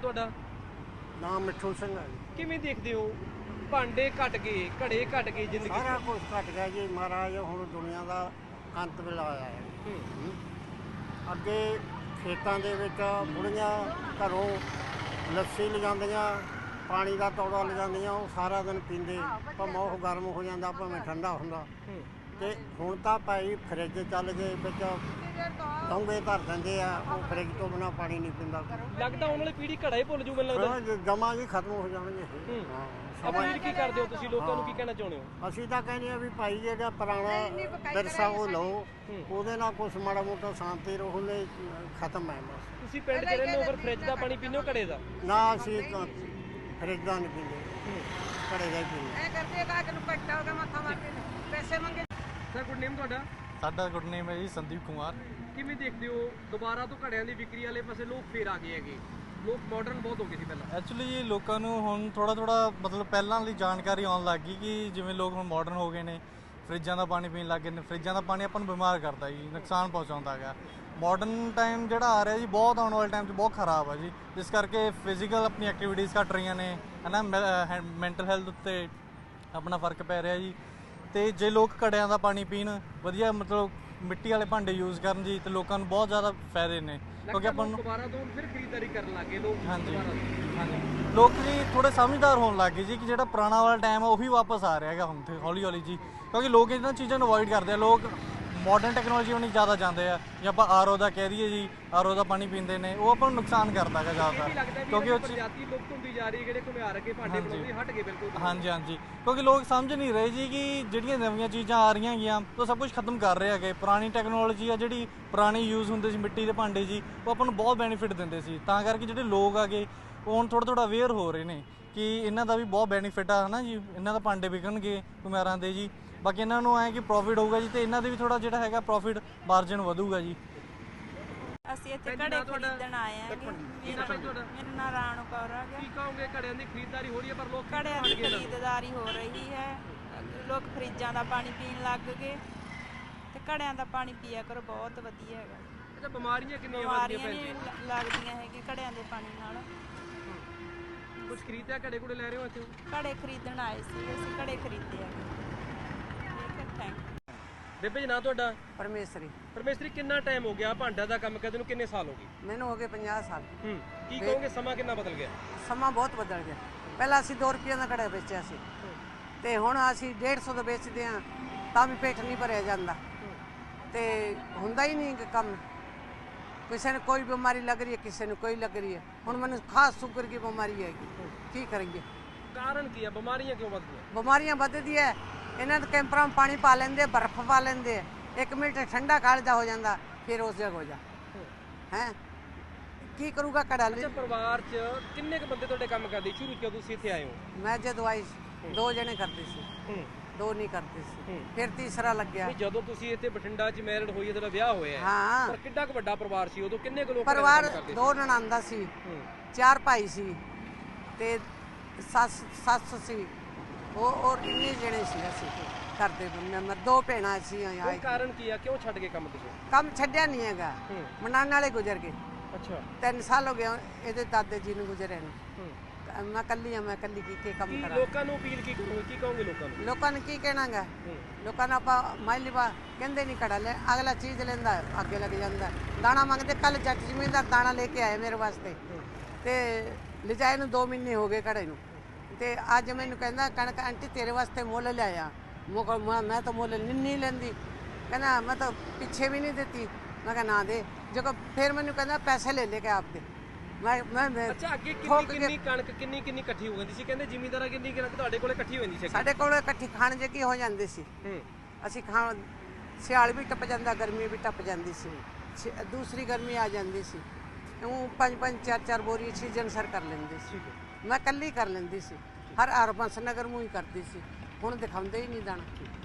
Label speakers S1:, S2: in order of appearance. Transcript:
S1: ਤੁਹਾਡਾ?
S2: ਨਾਮ ਮਿੱਠੂ ਸਿੰਘ ਹੈ ਜੀ।
S1: ਕਿਵੇਂ ਦੇਖਦੇ ਹੋ ਭਾਂਡੇ ਘਟ ਗਏ, ਘੜੇ ਘਟ ਗਏ, ਜ਼ਿੰਦਗੀ
S2: ਸਾਰਾ ਕੁਝ ਘਟ ਗਿਆ ਜੀ ਮਹਾਰਾਜ। ਹੁਣ ਦੁਨੀਆ ਦਾ ਅੰਤ ਵੇਲਾ ਆਇਆ ਹੈ। ਅੱਗੇ ਖੇਤਾਂ ਦੇ ਵਿੱਚ ਬੁੜੀਆਂ ਘਰੋਂ ਲੱਸੀ ਲਿਜਾਂਦੀਆਂ, ਪਾਣੀ ਦਾ ਤੌੜਾ ਲਿਜਾਂਦੀਆਂ, ਉਹ ਸਾਰਾ ਦਿਨ ਪੀਂਦੇ, ਭਾਵੇਂ ਉਹ ਗਰਮ ਹੋ ਜਾਂਦਾ ਭਾਵੇਂ ਠੰਡਾ ਹੁੰਦਾ। ਤੇ ਹੁਣ ਤਾਂ ਭਾਈ ਫਰਿੱਜ ਚੱਲ ਗਏ, ਵਿੱਚ ਡੋਂਗੇ ਧਰ ਦਿੰਦੇ ਆ, ਉਹ ਫਰਿੱਜ ਤੋਂ ਬਿਨਾਂ ਪਾਣੀ ਨਹੀਂ ਪੀਂਦਾ।
S1: ਲੱਗਦਾ ਆਉਣ ਵਾਲੀ ਪੀੜ੍ਹੀ ਘੜਾ ਹੀ ਭੁੱਲ ਜੂ ਮੈਨੂੰ ਲੱਗਦਾ।
S2: ਜਮਾਂ ਜੀ ਖਤਮ ਹੋ ਜਾਣਗੇ।
S1: ਅਪੀਲ ਕੀ ਕਰਦੇ ਹੋ ਤੁਸੀਂ, ਲੋਕਾਂ ਨੂੰ ਕੀ ਕਹਿਣਾ ਚਾਹੁੰਦੇ ਹੋ?
S2: ਅਸੀਂ ਤਾਂ ਕਹਿੰਦੇ ਆ ਵੀ ਭਾਈ ਜਿਹੜਾ ਪੁਰਾਣਾ ਵਿਰਸਾ ਉਹ ਲਓ, ਉਹਦੇ ਨਾਲ ਕੁਛ ਮਾੜਾ ਮੋਟਾ ਸ਼ਾਂਤੀ ਰਹੂਲੇ, ਖਤਮ ਹੈ ਬਸ।
S1: ਤੁਸੀਂ ਪਿੰਡ 'ਚ ਰਹਿੰਦੇ ਹੋ, ਫਿਰ ਫਰਿੱਜ ਦਾ ਪਾਣੀ ਪੀਂਦੇ ਹੋ ਘੜੇ ਦਾ?
S2: ਨਾ ਅਸੀਂ ਫਰਿੱਜ ਦਾ ਨਹੀਂ ਪੀਂਦੇ, ਘੜੇ ਦਾ ਹੀ ਪੀਂਦੇ।
S1: ਸਰ ਗੁੱਡ ਨੇਮ ਤੁਹਾਡਾ?
S3: ਸਾਡਾ ਗੁੱਡ ਨੇਮ ਹੈ ਜੀ ਸੰਦੀਪ ਕੁਮਾਰ।
S1: ਕਿਵੇਂ ਦੇਖਦੇ ਹੋ ਦੁਬਾਰਾ ਤੋਂ ਘੜਿਆਂ ਦੀ ਵਿਕਰੀ ਵਾਲੇ ਪਾਸੇ ਲੋਕ ਫੇਰ ਆ ਗਏ ਹੈਗੇ? ਲੋਕ ਮਾਡਰਨ ਬਹੁਤ ਹੋ ਗਏ ਸੀ ਪਹਿਲਾਂ।
S3: ਐਕਚੁਅਲੀ ਜੀ ਲੋਕਾਂ ਨੂੰ ਹੁਣ ਥੋੜਾ ਮਤਲਬ ਪਹਿਲਾਂ ਵਾਲੀ ਜਾਣਕਾਰੀ ਆਉਣ ਲੱਗ ਗਈ ਕਿ ਜਿਵੇਂ ਲੋਕ ਹੁਣ ਮਾਡਰਨ ਹੋ ਗਏ ਨੇ, ਫਰਿੱਜਾਂ ਦਾ ਪਾਣੀ ਪੀਣ ਲੱਗ ਗਏ ਨੇ। ਫਰਿੱਜਾਂ ਦਾ ਪਾਣੀ ਆਪਾਂ ਨੂੰ ਬਿਮਾਰ ਕਰਦਾ ਜੀ, ਨੁਕਸਾਨ ਪਹੁੰਚਾਉਂਦਾ ਹੈਗਾ। ਮਾਡਰਨ ਟਾਈਮ ਜਿਹੜਾ ਆ ਰਿਹਾ ਜੀ ਬਹੁਤ ਆਉਣ ਵਾਲੇ ਟਾਈਮ 'ਚ ਬਹੁਤ ਖਰਾਬ ਆ ਜੀ, ਜਿਸ ਕਰਕੇ ਫਿਜ਼ੀਕਲ ਆਪਣੀ ਐਕਟੀਵਿਟੀਜ਼ ਘੱਟ ਰਹੀਆਂ ਨੇ, ਹੈ ਨਾ। ਮੈਂਟਲ ਹੈਲਥ ਉੱਤੇ ਆਪਣਾ ਫਰਕ ਪੈ ਰਿਹਾ ਜੀ। ਤੇ ਜੇ ਲੋਕ ਘੜਿਆਂ ਦਾ ਪਾਣੀ ਪੀਣ, ਵਧੀਆ ਮਤਲਬ ਮਿੱਟੀ ਵਾਲੇ ਭਾਂਡੇ ਯੂਜ਼ ਕਰਨ ਜੀ, ਤੇ ਲੋਕਾਂ ਨੂੰ ਬਹੁਤ ਜ਼ਿਆਦਾ ਫਾਇਦੇ ਨੇ। ਕਿਉਂਕਿ ਆਪਾਂ ਨੂੰ
S1: ਦੁਬਾਰਾ ਤੋਂ ਫਿਰ ਖਰੀਦਦਾਰੀ ਕਰਨ ਲੱਗੇ ਲੋਕ।
S3: ਹਾਂਜੀ ਲੋਕ ਜੀ ਥੋੜੇ ਸਮਝਦਾਰ ਹੋਣ ਲੱਗ ਗਏ ਜੀ ਕਿ ਜਿਹੜਾ ਪੁਰਾਣਾ ਵਾਲਾ ਟਾਈਮ ਆ ਉਹੀ ਵਾਪਸ ਆ ਰਿਹਾ ਹੈਗਾ ਹੁਣ ਤੇ ਹੌਲੀ ਹੌਲੀ ਜੀ। ਕਿਉਂਕਿ ਲੋਕ ਇਹਨਾਂ ਚੀਜ਼ਾਂ ਨੂੰ ਅਵੋਇਡ ਕਰਦੇ ਆ, ਲੋਕ ਮਾਡਰਨ ਟੈਕਨੋਲੋਜੀ ਵੱਲ ਜ਼ਿਆਦਾ ਜਾਂਦੇ ਆ। ਜੇ ਆਪਾਂ ਆਰਓ ਦਾ ਕਹਿ ਦਈਏ ਜੀ, ਆਰਓ ਦਾ ਪਾਣੀ ਪੀਂਦੇ ਨੇ, ਉਹ ਆਪਾਂ ਨੂੰ ਨੁਕਸਾਨ ਕਰਦਾ ਹੈਗਾ ਜ਼ਿਆਦਾਤਰ। ਕਿਉਂਕਿ ਉਹ
S1: ਪ੍ਰਜਾਤੀ ਲੁਪਤ ਹੁੰਦੀ ਜਾ ਰਹੀ ਹੈ, ਜਿਹੜੇ ਘੁਮਿਆਰ ਅੱਗੇ ਭਾਂਡੇ ਬਣਾਉਂਦੇ ਹਟ ਗਏ ਬਿਲਕੁਲ।
S3: ਹਾਂਜੀ ਕਿਉਂਕਿ ਲੋਕ ਸਮਝ ਨਹੀਂ ਰਹੇ ਜੀ ਕਿ ਜਿਹੜੀਆਂ ਨਵੀਆਂ ਚੀਜ਼ਾਂ ਆ ਰਹੀਆਂ ਹੈਗੀਆਂ ਉਹ ਸਭ ਕੁਝ ਖਤਮ ਕਰ ਰਹੇ ਹੈਗੇ। ਪੁਰਾਣੀ ਟੈਕਨੋਲੋਜੀ ਆ ਜਿਹੜੀ ਪੁਰਾਣੀ ਯੂਜ਼ ਹੁੰਦੇ ਸੀ ਮਿੱਟੀ ਦੇ ਭਾਂਡੇ ਜੀ, ਉਹ ਆਪਾਂ ਨੂੰ ਬਹੁਤ ਬੈਨੀਫਿਟ ਦਿੰਦੇ ਸੀ। ਤਾਂ ਕਰਕੇ ਜਿਹੜੇ ਲੋਕ ਆਗੇ ਉਹ ਹੁਣ ਥੋੜਾ ਅਵੇਅਰ ਹੋ ਰਹੇ ਨੇ ਕਿ ਇਹਨਾਂ ਦਾ ਵੀ ਬਹੁਤ ਬੈਨੀਫਿਟ ਆ, ਹੈ ਨਾ ਜੀ। ਇਹਨਾਂ ਦਾ ਭਾਂਡੇ ਵਿਕਣਗੇ ਘੁਮਿਆਰਾਂ ਦੇ ਜੀ, ਬਾਕੀ ਇਹਨਾਂ ਨੂੰ ਐ ਕਿ ਪ੍ਰੋਫਿਟ ਹੋਊਗਾ ਜੀ, ਤੇ ਇਹਨਾਂ ਦੇ ਵੀ ਥੋੜਾ ਜਿਹੜਾ ਹੈਗਾ ਪ੍ਰੋਫਿਟ ਮਾਰਜਨ ਵਧੂਗਾ ਜੀ।
S4: ਅਸੀਂ ਇੱਥੇ ਘੜੇ ਖਰੀਦਣ ਆਏ ਆਂਗੇ। ਮੇਰਾ ਨਾਮ ਰਾਣੂ ਕੌਰ ਹੈ।
S1: ਕੀ ਕਹੋਗੇ, ਘੜਿਆਂ ਦੀ ਖਰੀਦਦਾਰੀ ਹੋ ਰਹੀ ਹੈ ਪਰ ਲੋਕ
S4: ਘੜਿਆਂ ਦੀ ਖਰੀਦਦਾਰੀ ਹੋ ਰਹੀ ਹੈ, ਲੋਕ ਫਰਿੱਜਾਂ ਦਾ ਪਾਣੀ ਪੀਣ ਲੱਗ ਗਏ, ਤੇ ਘੜਿਆਂ ਦਾ ਪਾਣੀ ਪੀਆ ਕਰੋ, ਬਹੁਤ ਵਧੀਆ ਹੈਗਾ।
S1: ਅੱਛਾ, ਬਿਮਾਰੀਆਂ ਕਿੰਨੀਆਂ
S4: ਨਹੀਂ ਲੱਗਦੀਆਂ ਹੈਗੀਆਂ ਘੜਿਆਂ ਦੇ ਪਾਣੀ ਨਾਲ।
S1: ਕੁਝ ਖਰੀਦਿਆ, ਘੜੇ ਘੁੜੇ ਲੈ ਰਹੇ ਹੋ ਇੱਥੇ?
S4: ਘੜੇ ਖਰੀਦਣ ਆਏ ਸੀ, ਅਸੀਂ ਘੜੇ ਖਰੀਦੇ ਆ।
S1: ਬੇਬੇ ਜੀ ਨਾਂ ਤੁਹਾਡਾ?
S5: ਪਰਮੇਸ਼ਰੀ।
S1: ਪਰਮੇਸ਼ਰੀ, ਕਿੰਨਾ ਟਾਈਮ ਹੋ ਗਿਆ ਭਾਂਡਾ ਦਾ ਕੰਮ ਕਰਦੇ ਨੂੰ, ਕਿੰਨੇ ਸਾਲ ਹੋ ਗਏ?
S5: ਮੈਨੂੰ ਹੋ ਗਏ 50 ਸਾਲ।
S1: ਕੀ ਕਹੋਗੇ, ਸਮਾਂ ਕਿੰਨਾ ਬਦਲ ਗਿਆ?
S5: ਸਮਾਂ ਬਹੁਤ ਬਦਲ ਗਿਆ। ਪਹਿਲਾਂ ਅਸੀਂ 2 ਰੁਪਏ ਦਾ ਘੜਾ ਵੇਚਿਆ ਸੀ, ਤੇ ਹੁਣ ਅਸੀਂ 150 ਦਾ ਵੇਚਦੇ ਹਾਂ, ਤਾਂ ਵੀ ਪੇਟ ਨਹੀਂ ਭਰਿਆ ਜਾਂਦਾ, ਤੇ ਹੁੰਦਾ ਹੀ ਨਹੀਂ ਕੰਮ। ਕਿਸੇ ਨੂੰ ਕੋਈ ਬਿਮਾਰੀ ਲੱਗ ਰਹੀ ਹੈ, ਕਿਸੇ ਨੂੰ ਕੋਈ ਲੱਗ ਰਹੀ ਹੈ। ਹੁਣ ਮੈਨੂੰ ਖਾਸ ਸ਼ੂਗਰ ਦੀ ਬਿਮਾਰੀ ਹੈਗੀ, ਕੀ ਕਰੀਏ?
S1: ਕਾਰਨ ਕੀ ਹੈ, ਬਿਮਾਰੀਆਂ ਕਿਉਂ ਵੱਧਦੀਆਂ?
S5: ਬਿਮਾਰੀਆਂ ਵੱਧਦੀ ਹੈ, ਇਹਨਾਂ ਦੇ ਕੈਂਪਰਾਂ में पानी पा लेंगे, बर्फ पा लेंगे, 1 मिनट ठंडा कालजा हो जाता, फिर उस जगह हो जा है की करूँगा कड़ा।
S1: अच्छा, परिवार च किन्ने क बंदे ਤੁਹਾਡੇ ਕੰਮ ਕਰਦੇ? ਸ਼ੁਰੂ ਤੋਂ ਤੁਸੀਂ ਇੱਥੇ ਆਏ ਹੋ?
S5: मैं जदों आई 2 जने करते सी, 2 नहीं करते सी, फिर तीसरा लग गया।
S1: ਜਦੋਂ ਤੁਸੀਂ ਇੱਥੇ ਬਠਿੰਡਾ 'ਚ ਮੈਰਿਡ ਹੋਈ ਹੈ, ਤੁਹਾਡਾ ਵਿਆਹ ਹੋਇਆ ਹੈ,
S5: हाँ
S1: ਪਰ ਕਿੰਨਾ ਕੁ ਵੱਡਾ ਪਰਿਵਾਰ ਸੀ ਉਦੋਂ? ਕਿੰਨੇ ਕੁ ਲੋਕ
S5: परिवार
S1: ਕਰਦੇ?
S5: 2 ननांदा सी, 4 भाई सी, ते सस सी, वो और 3 जने सी ਅਸੀਂ ਕਰਦੇ ਮੈਂ 2 ਭੈਣਾਂ ਸੀ।
S1: ਕੋਈ ਕਾਰਨ ਕੀ ਆ, ਕਿਉਂ ਛੱਡ ਕੇ ਕੰਮ ਤੁਸੀਂ?
S5: ਕੰਮ ਛੱਡਿਆ ਨਹੀਂ ਹੈਗਾ, ਮਨਾਣ ਵਾਲੇ ਗੁਜ਼ਰ ਗਏ।
S1: ਅੱਛਾ,
S5: 3 ਸਾਲ ਹੋ ਗਏ ਇਹਦੇ ਦਾਦੇ ਜੀ ਨੂੰ ਗੁਜ਼ਰੇ ਨੂੰ। ਮੈਂ ਕੱਲੀ ਆ, ਮੈਂ ਕੱਲੀ ਕੀ ਕੰਮ ਕਰਾਂ?
S1: ਲੋਕਾਂ ਨੂੰ ਅਪੀਲ ਕੀ ਕਰੋਗੇ, ਕੀ ਕਹੋਗੇ ਲੋਕਾਂ ਨੂੰ?
S5: ਲੋਕਾਂ ਨੂੰ ਕੀ ਕਹਿਣਾਗਾ? ਲੋਕਾਂ ਨੂੰ ਆਪਾਂ ਮਾਇਲੀਵਾ ਕਹਿੰਦੇ ਨਹੀਂ ਘੜਾ ਲੈ, ਅਗਲਾ ਚੀਜ਼ ਲੈਂਦਾ ਅੱਗੇ ਲੱਗ ਜਾਂਦਾ। ਦਾਣਾ ਮੰਗਦੇ, ਕੱਲ ਜੱਟ ਜ਼ਮੀਨਦਾਰ ਦਾਣਾ ਲੈ ਕੇ ਆਏ ਮੇਰੇ ਵਾਸਤੇ, ਤੇ ਲਿਜਾਏ ਨੂੰ 2 ਮਹੀਨੇ ਹੋ ਗਏ ਘੜੇ ਨੂੰ, ਤੇ ਅੱਜ ਮੈਨੂੰ ਕਹਿੰਦਾ ਕਣਕ ਆਂਟੀ ਤੇਰੇ ਵਾਸਤੇ ਮੁੱਲ ਲਿਆਇਆ। ਮੈਂ ਤਾਂ ਮੁੱਲ ਨਹੀਂ ਲੈਂਦੀ, ਕਹਿੰਦਾ ਮੈਂ ਤਾਂ ਪਿੱਛੇ ਵੀ ਨਹੀਂ ਦਿੱਤੀ। ਮੈਂ ਕਿਹਾ ਨਾ ਦੇ, ਜੋ ਫਿਰ ਮੈਨੂੰ ਕਹਿੰਦਾ ਪੈਸੇ ਲੈ ਕੇ ਆਪ ਦੇ। ਮੈਂ
S1: ਅੱਛਾ, ਅੱਗੇ ਕਿੰਨੀ ਕਣਕ ਕਿੰਨੀ ਇਕੱਠੀ ਹੋ ਜਾਂਦੀ ਸੀ? ਕਹਿੰਦੇ ਜ਼ਿਮੀਂਦਾਰਾਂ ਕਿੰਨੀ ਕਣਕ ਤੁਹਾਡੇ ਕੋਲੇ ਇਕੱਠੀ ਹੋ ਜਾਂਦੀ ਸੀ?
S5: ਸਾਡੇ ਕੋਲ ਇਕੱਠੀ ਖਾਣ ਜਗੀ ਹੋ ਜਾਂਦੀ ਸੀ। ਅਸੀਂ ਖਾਣ, ਸਿਆਲ ਵੀ ਟੱਪ ਜਾਂਦਾ, ਗਰਮੀ ਵੀ ਟੱਪ ਜਾਂਦੀ ਸੀ, ਦੂਸਰੀ ਗਰਮੀ ਆ ਜਾਂਦੀ ਸੀ। ਉਹ 5-5 4-4 ਬੋਰੀ ਸੀਜ਼ਨ ਸਰ ਕਰ ਲੈਂਦੇ ਸੀ। ਮੈਂ ਇਕੱਲੀ ਕਰ ਲੈਂਦੀ ਸੀ, ਹਰ ਬੰਸ ਨਗਰ ਮੂੰਹ ਹੀ ਕਰਦੀ ਸੀ। ਹੁਣ ਦਿਖਾਉਂਦੇ ਹੀ ਨਹੀਂ ਦਾਣਾ।